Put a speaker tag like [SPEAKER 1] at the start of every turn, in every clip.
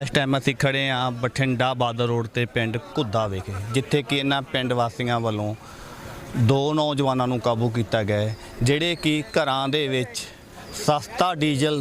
[SPEAKER 1] इस टाइम असीं खड़े हाँ बठिंडा बादल रोड ते पिंड घुद्दा विखे, जिथे कि इन्हां पिंड वासियों वालों दो नौजवानों नूं काबू किया गया है, जिहड़े कि घरां दे विच सस्ता डीजल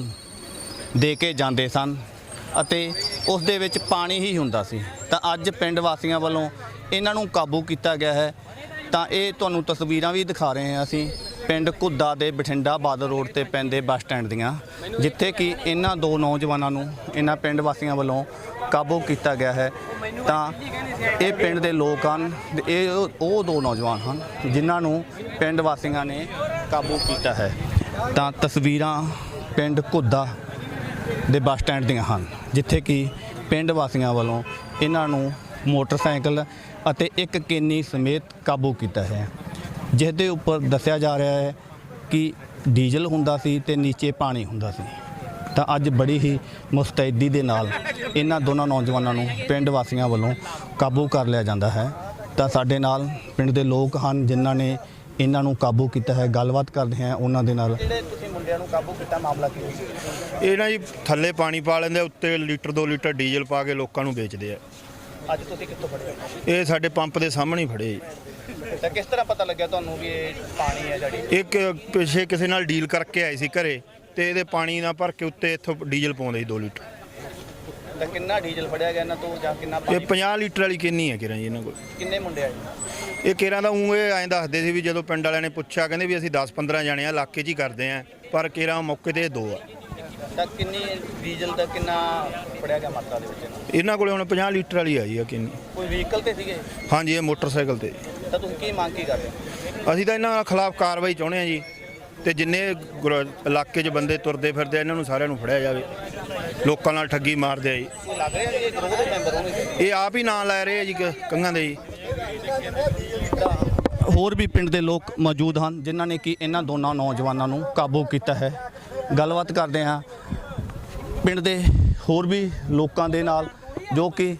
[SPEAKER 1] दे के जांदे सन अते उस दे विच पानी ही हुंदा सी। तां अज पिंड वासियों वालों इन्हां नूं काबू किया गया है। तां इह तुहानूं तस्वीरां भी दिखा रहे हैं असीं पिंड घुद्दा दे बठिंडा बादल रोड ते पैंदे बस स्टैंड दियां, जिथे कि इन्हां दो नौजवानों नूं इन्हां पिंड वासियों वालों काबू किया गया है। तां ये पिंड दे लोग हन, ये दो नौजवान हैं जिन्हां नूं पिंड वासियों ने काबू किया है। तां तस्वीरां पिंड घुद्दा दे बस स्टैंड दियां हन, जिथे कि पिंड वासियों वालों इन्हां नूं मोटरसाइकिल अते एक केनी समेत काबू किया है, जिसके उपर दस्या जा रहा है कि डीजल हुंदा सी ते नीचे पानी हुंदा सी। तां अज बड़ी ही मुस्तैदी दे नाल इन्हां दोनों नौजवानों नूं पिंड वासियों वालों काबू कर लिया जाता है। तां साडे नाल पिंड दे लोग हन जिन्हां ने इन्हां नूं काबू किया है, गलबात करदे हैं उन्हां दे नाल। काबू किया मामला की
[SPEAKER 2] ये ना जी थल्ले पानी पा लेंदे, उत्ते लीटर 2 लीटर डीजल पा के लोगों नूं बेचदे आ।
[SPEAKER 1] अज तुसीं कित्थों फड़े?
[SPEAKER 2] ये साडे पंप दे सामने ही फड़े जी।
[SPEAKER 1] तां किस तरह पता लग्या तुहानूं भी ये पानी है जड़ी?
[SPEAKER 2] एक पिछे किसी नाल डील करके आए सी घरे ते इहदे पानी ना भर के उत्ते इत्थों डीजल पाउंदे सी 2 लीटर।
[SPEAKER 1] तां किन्ना डीजल फड़िया गया इन्हां तों जां किन्ना
[SPEAKER 2] ये 50 लीटर वाली किन्नी है किरां जी इन्हां कोल।
[SPEAKER 1] किन्ने मुंडे आए?
[SPEAKER 2] ये किरां दा ऊँ ऐं दसदे सी भी जदों पिंड वालिਆਂ ने पुੱਛਿਆ ਕਹਿੰਦੇ ਵੀ ਅਸੀਂ 10-15 ਜਾਣੇ ਆ इलाके 'ਚ ਹੀ ਕਰਦੇ ਆ, पर किरां मौके ते 2 आ।
[SPEAKER 1] ਤਾਂ ਕਿੰਨੀ ਡੀਜ਼ਲ ਦਾ ਕਿੰਨਾ ਫੜਿਆ ਗਿਆ ਮਾਤਰਾ ਦੇ ਵਿੱਚ?
[SPEAKER 2] ਇਹਨਾਂ ਕੋਲੇ ਹੁਣ 50 ਲੀਟਰ ਵਾਲੀ ਆ ਜੀ ਆ ਕਿੰਨੀ।
[SPEAKER 1] ਕੋਈ ਵਹੀਕਲ ਤੇ ਸੀਗੇ?
[SPEAKER 2] ਹਾਂਜੀ, ਇਹ ਮੋਟਰਸਾਈਕਲ ਤੇ।
[SPEAKER 1] ਤਾਂ ਤੁਸੀਂ ਕੀ ਮੰਗ ਕੀ ਕਰ ਰਹੇ ਹੋ?
[SPEAKER 2] ਅਸੀਂ ਤਾਂ ਇਹਨਾਂ ਖਿਲਾਫ ਕਾਰਵਾਈ ਚਾਹੁੰਦੇ ਆ ਜੀ, ਤੇ ਜਿੰਨੇ ਇਲਾਕੇ 'ਚ ਬੰਦੇ ਤੁਰਦੇ ਫਿਰਦੇ ਇਹਨਾਂ ਨੂੰ ਸਾਰਿਆਂ ਨੂੰ ਫੜਿਆ ਜਾਵੇ। ਲੋਕਾਂ ਨਾਲ ਠੱਗੀ ਮਾਰਦੇ ਆ ਜੀ।
[SPEAKER 1] ਲੱਗ ਰਿਹਾ ਜੀ ਇਹ ਗਰੋਹ ਦੇ ਮੈਂਬਰ ਹੋਣਗੇ?
[SPEAKER 2] ਇਹ ਆਪ ਹੀ ਨਾਂ ਲੈ ਰਹੇ ਆ ਜੀ ਕੰਘਾਂ ਦੇ ਜੀ।
[SPEAKER 1] ਹੋਰ ਵੀ ਪਿੰਡ ਦੇ ਲੋਕ ਮੌਜੂਦ ਹਨ ਜਿਨ੍ਹਾਂ ਨੇ ਕਿ ਇਹਨਾਂ ਦੋਨਾਂ ਨੌਜਵਾਨਾਂ ਨੂੰ ਕਾਬੂ ਕੀਤਾ ਹੈ। ਗੱਲਬਾਤ ਕਰਦੇ ਹਾਂ ਪਿੰਡ ਦੇ ਹੋਰ ਵੀ ਲੋਕਾਂ ਦੇ ਨਾਲ ਜੋ ਕਿ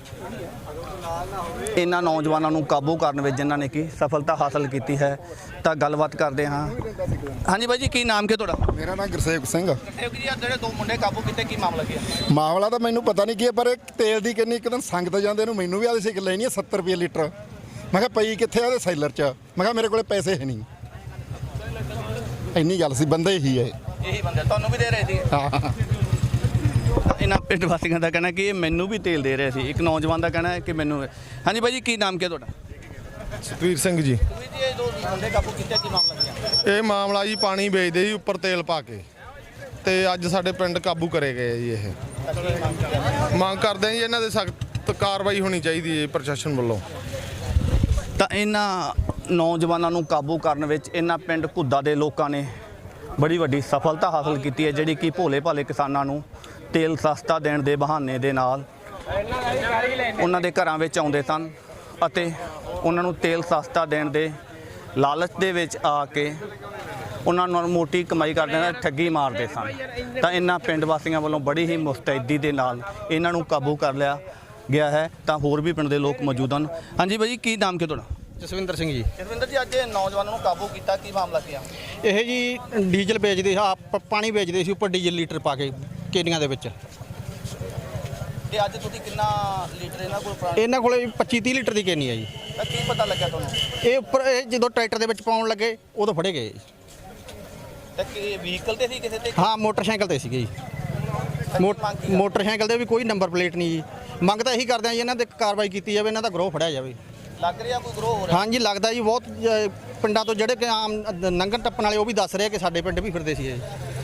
[SPEAKER 1] ਇਹਨਾਂ ਨੌਜਵਾਨਾਂ ਨੂੰ ਕਾਬੂ ਕਰਨ ਵਿੱਚ ਜਿਨ੍ਹਾਂ ਨੇ ਕਿ ਸਫਲਤਾ ਹਾਸਲ ਕੀਤੀ ਹੈ। ਤਾਂ ਗੱਲਬਾਤ ਕਰਦੇ ਹਾਂ। ਹਾਂਜੀ ਬਾਈ ਜੀ, ਕੀ ਨਾਮ ਕੀ ਤੁਹਾਡਾ?
[SPEAKER 3] ਮੇਰਾ ਨਾਮ ਗੁਰਸੇਵਕ ਸਿੰਘ।
[SPEAKER 1] ਗੁਰਸੇਵਕ ਜੀ, ਜਿਹੜੇ ਦੋ ਮੁੰਡੇ ਕਾਬੂ ਕੀਤੇ ਕੀ ਮਾਮਲਾ ਕੀ ਹੈ?
[SPEAKER 3] ਮਾਮਲਾ ਤਾਂ ਮੈਨੂੰ ਪਤਾ ਨਹੀਂ ਕੀ ਹੈ, ਪਰ ਇਹ ਤੇਲ ਦੀ ਕਿੰਨੀ ਇੱਕ ਦਿਨ ਸੰਗਤ ਜਾਂਦੇ ਨੂੰ ਮੈਨੂੰ ਵੀ ਆਦੇ ਸੀ ਕਿ ਲੈਣੀ ਹੈ 70 ਰੁਪਏ ਲੀਟਰ। ਮੈਂ ਕਿਹਾ ਪਈ ਕਿੱਥੇ ਆ ਉਹਦੇ ਸੈਲਰ 'ਚ? ਮੈਂ ਕਿਹਾ ਮੇਰੇ ਕੋਲੇ ਪੈਸੇ ਹੈ ਨਹੀਂ। ਇੰਨੀ ਗੱਲ ਸੀ, ਬੰਦੇ ਹੀ ਹੈ
[SPEAKER 1] ਇਹੀ ਬੰਦੇ ਤੁਹਾਨੂੰ ਵੀ ਦੇ ਰਹੇ ਸੀ?
[SPEAKER 3] ਹਾਂ।
[SPEAKER 1] ਇਹਨਾਂ ਪਿੰਡ ਵਾਸੀਆਂ ਦਾ ਕਹਿਣਾ ਕਿ ਇਹ ਮੈਨੂੰ ਵੀ ਤੇਲ ਦੇ ਰਹੇ ਸੀ। ਇੱਕ ਨੌਜਵਾਨ ਦਾ ਕਹਿਣਾ ਹੈ ਕਿ ਮੈਨੂੰ। ਹਾਂਜੀ ਬਾਈ ਜੀ, ਕੀ ਨਾਮ ਕੀ ਤੁਹਾਡਾ?
[SPEAKER 4] ਸਤਵੀਰ ਸਿੰਘ ਜੀ।
[SPEAKER 1] ਇਹ ਦੋ ਮੁੰਡੇ ਕਾਬੂ ਕੀਤੇ ਕੀ ਮਾਮਲਾ ਕੀ?
[SPEAKER 4] ਇਹ ਮਾਮਲਾ ਜੀ ਪਾਣੀ ਵੇਚਦੇ ਜੀ ਉੱਪਰ ਤੇਲ ਪਾ ਕੇ, ਤੇ ਅੱਜ ਸਾਡੇ ਪਿੰਡ ਕਾਬੂ ਕਰੇ ਗਏ ਜੀ। ਇਹ ਮੰਗ ਕਰਦੇ ਆ ਜੀ ਇਹਨਾਂ ਦੇ ਸਖਤ ਕਾਰਵਾਈ ਹੋਣੀ ਚਾਹੀਦੀ ਹੈ ਪ੍ਰਸ਼ਾਸਨ ਵੱਲੋਂ।
[SPEAKER 1] ਤਾਂ ਇਹਨਾਂ ਨੌਜਵਾਨਾਂ ਨੂੰ ਕਾਬੂ ਕਰਨ ਵਿੱਚ ਇਹਨਾਂ ਪਿੰਡ ਘੁੱਦਾ ਦੇ ਲੋਕਾਂ ਨੇ ਬੜੀ ਵੱਡੀ ਸਫਲਤਾ ਹਾਸਲ ਕੀਤੀ ਹੈ, ਜਿਹੜੀ ਕਿ ਭੋਲੇ ਭਾਲੇ ਕਿਸਾਨਾਂ ਨੂੰ ਤੇਲ ਸਸਤਾ ਦੇਣ ਦੇ ਬਹਾਨੇ ਦੇ ਨਾਲ ਉਹਨਾਂ ਦੇ ਘਰਾਂ ਵਿੱਚ ਆਉਂਦੇ ਸਨ ਅਤੇ ਉਹਨਾਂ ਨੂੰ ਤੇਲ ਸਸਤਾ ਦੇਣ ਦੇ ਲਾਲਚ ਦੇ ਵਿੱਚ ਆ ਕੇ ਉਹਨਾਂ ਨੂੰ ਮੋਟੀ ਕਮਾਈ ਕਰਦੇ ਨਾਲ ਠੱਗੀ ਮਾਰਦੇ ਸਨ। ਤਾਂ ਇਹਨਾਂ ਪਿੰਡ ਵਾਸੀਆਂ ਵੱਲੋਂ ਬੜੀ ਹੀ ਮੁਸਤੈਦੀ ਦੇ ਨਾਲ ਇਹਨਾਂ ਨੂੰ ਕਾਬੂ ਕਰ ਲਿਆ ਗਿਆ ਹੈ। ਤਾਂ ਹੋਰ ਵੀ ਪਿੰਡ ਦੇ ਲੋਕ ਮੌਜੂਦ ਹਨ। ਹਾਂਜੀ ਬਾਈ ਜੀ, ਕੀ ਨਾਮ ਕੀ ਤੁਹਾਡਾ?
[SPEAKER 5] ਜਸਵਿੰਦਰ ਸਿੰਘ ਜੀ।
[SPEAKER 1] ਜਸਵਿੰਦਰ ਜੀ, ਅੱਜ ਨੌਜਵਾਨਾਂ ਨੂੰ ਕਾਬੂ ਕੀਤਾ, ਕੀ ਮਾਮਲਾ ਕੀ ਆ?
[SPEAKER 5] ਇਹ ਜੀ ਡੀਜ਼ਲ ਵੇਚਦੇ ਸੀ, ਪਾਣੀ ਵੇਚਦੇ ਸੀ ਉੱਪਰ ਡੀਜ਼ਲ ਲੀਟਰ ਪਾ ਕੇ ਕੇਨੀਆਂ ਦੇ ਵਿੱਚ।
[SPEAKER 1] ਤੇ ਅੱਜ ਤੁਸੀਂ ਕਿੰਨਾ ਲੀਟਰ ਇਹਨਾਂ ਕੋਲ ਪੁਰਾਣਾ?
[SPEAKER 5] ਇਹਨਾਂ ਕੋਲੇ 25-30 ਲੀਟਰ ਦੀ ਕੇਨੀ ਆ ਜੀ।
[SPEAKER 1] ਤਾਂ ਕੀ ਪਤਾ ਲੱਗਿਆ ਤੁਹਾਨੂੰ?
[SPEAKER 5] ਇਹ ਉੱਪਰ ਇਹ ਜਦੋਂ ਟਰੈਕਟਰ ਦੇ ਵਿੱਚ ਪਾਉਣ ਲੱਗੇ ਉਦੋਂ ਫੜੇ ਗਏ।
[SPEAKER 1] ਤਾਂ ਕਿ ਵਹੀਕਲ ਤੇ ਸੀ ਕਿਸੇ ਤੇ?
[SPEAKER 5] ਹਾਂ, ਮੋਟਰਸਾਈਕਲ ਤੇ ਸੀਗੇ ਜੀ। ਮੋਟਰਸਾਈਕਲ ਦੇ ਵੀ ਕੋਈ ਨੰਬਰ ਪਲੇਟ ਨਹੀਂ ਜੀ। ਮੰਗ ਤਾਂ ਇਹੀ ਕਰਦੇ ਆ ਜੀ ਇਹਨਾਂ ਤੇ ਕਾਰਵਾਈ ਕੀਤੀ ਜਾਵੇ, ਇਹਨਾਂ ਦਾ ਗਰੋਹ ਫੜਿਆ ਜਾਵੇ।
[SPEAKER 1] ਲੱਗ ਰਿਹਾ ਕੋਈ ਗਰੋਹ ਹੋ ਰਿਹਾ?
[SPEAKER 5] ਹਾਂਜੀ, ਲੱਗਦਾ ਜੀ ਬਹੁਤ ਪਿੰਡਾਂ ਤੋਂ ਜਿਹੜੇ ਕਿ ਆਮ ਨੰਗਣ ਟੱਪਣ ਵਾਲੇ ਉਹ ਵੀ ਦੱਸ ਰਹੇ ਕਿ ਸਾਡੇ ਪਿੰਡ ਵੀ ਫਿਰਦੇ ਸੀ ਜੀ।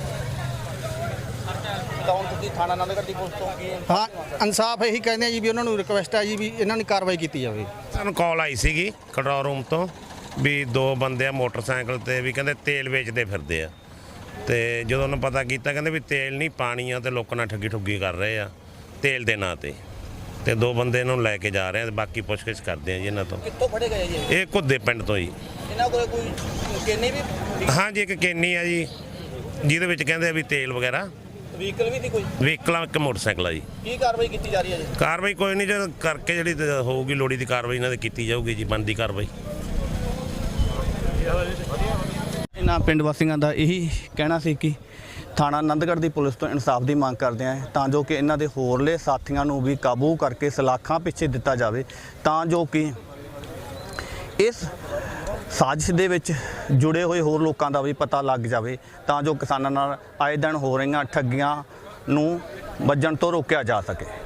[SPEAKER 1] ਤਾਂ ਹੁਣ ਤੁਸੀਂ ਥਾਣਾ ਆਨੰਦਗੜ੍ਹ ਦੀ ਪੁਲਿਸ ਤੋਂ ਕੀ?
[SPEAKER 5] ਹਾਂ, ਇਨਸਾਫ ਇਹੀ ਕਹਿੰਦੇ ਆ ਜੀ ਵੀ ਉਹਨਾਂ ਨੂੰ ਰਿਕੁਐਸਟ ਆ ਜੀ ਵੀ ਇਹਨਾਂ ਦੀ ਕਾਰਵਾਈ ਕੀਤੀ ਜਾਵੇ।
[SPEAKER 6] ਸਾਨੂੰ ਕਾਲ ਆਈ ਸੀਗੀ ਕੰਟਰੋਲ ਰੂਮ ਤੋਂ ਵੀ 2 ਬੰਦੇ ਆ ਮੋਟਰਸਾਈਕਲ ਤੇ ਵੀ ਕਹਿੰਦੇ ਤੇਲ ਵੇਚਦੇ ਫਿਰਦੇ ਆ, ਤੇ ਜਦੋਂ ਉਹਨੂੰ ਪਤਾ ਕੀਤਾ ਕਹਿੰਦੇ ਵੀ ਤੇਲ ਨਹੀਂ ਪਾਣੀ ਆ, ਤੇ ਲੋਕਾਂ ਨਾਲ ਠੱਗੀ ਕਰ ਰਹੇ ਆ ਤੇਲ ਦੇ ਨਾਂ ਤੇ 2 ਬੰਦੇ ਨੂੰ ਲੈ ਕੇ ਜਾ ਰਹੇ ਆ, ਤੇ ਬਾਕੀ ਪੁੱਛਗਿੱਛ ਕਰਦੇ ਆ ਜੀ ਇਹਨਾਂ ਤੋਂ।
[SPEAKER 1] ਕਿੱਥੋਂ ਫੜੇ ਗਏ ਜੀ?
[SPEAKER 6] ਇਹ ਘੁੱਦੇ ਪਿੰਡ ਤੋਂ ਜੀ।
[SPEAKER 1] ਇਹਨਾਂ ਕੋਲ ਕੋਈ ਕੇਨੀ ਵੀ?
[SPEAKER 6] ਹਾਂਜੀ, ਇੱਕ ਕੇਨੀ ਆ ਜੀ ਜਿਹਦੇ ਵਿੱਚ ਕਹਿੰਦੇ ਆ ਵੀ ਤੇਲ ਵਗੈਰਾ।
[SPEAKER 1] ਵਹੀਕਲ ਵੀ ਸੀ ਕੋਈ?
[SPEAKER 6] ਵਹੀਕਲ ਇੱਕ ਮੋਟਰਸਾਈਕਲ ਆ ਜੀ।
[SPEAKER 1] ਕੀ ਕਾਰਵਾਈ ਕੀਤੀ ਜਾ ਰਹੀ ਹੈ ਜੀ?
[SPEAKER 6] ਕਾਰਵਾਈ ਕੋਈ ਨਹੀਂ, ਜਦ ਕਰਕੇ ਜਿਹੜੀ ਹੋਊਗੀ ਲੋੜੀ ਦੀ ਕਾਰਵਾਈ ਇਹਨਾਂ ਦੀ ਕੀਤੀ ਜਾਊਗੀ ਜੀ, ਬਣਦੀ ਕਾਰਵਾਈ।
[SPEAKER 1] ਇਹਨਾਂ ਪਿੰਡ ਵਾਸੀਆਂ ਦਾ ਇਹੀ ਕਹਿਣਾ ਸੀ ਕਿ ਥਾਣਾ ਆਨੰਦਗੜ੍ਹ ਦੀ ਪੁਲਿਸ ਤੋਂ ਇਨਸਾਫ ਦੀ ਮੰਗ ਕਰਦੇ ਹਾਂ ਤਾਂ ਜੋ ਕਿ ਇਹਨਾਂ ਦੇ ਹੋਰਲੇ ਸਾਥੀਆਂ ਨੂੰ ਵੀ ਕਾਬੂ ਕਰਕੇ ਸਲਾਖਾਂ ਪਿੱਛੇ ਦਿੱਤਾ ਜਾਵੇ, ਤਾਂ ਜੋ ਕਿ ਇਸ ਸਾਜ਼ਿਸ਼ ਦੇ ਵਿੱਚ ਜੁੜੇ ਹੋਏ ਹੋਰ ਲੋਕਾਂ ਦਾ ਵੀ ਪਤਾ ਲੱਗ ਜਾਵੇ, ਤਾਂ ਜੋ ਕਿਸਾਨਾਂ ਨਾਲ ਆਏ ਦਿਨ ਹੋ ਰਹੀਆਂ ਠੱਗੀਆਂ ਨੂੰ ਵੱਜਣ ਤੋਂ ਰੋਕਿਆ ਜਾ ਸਕੇ।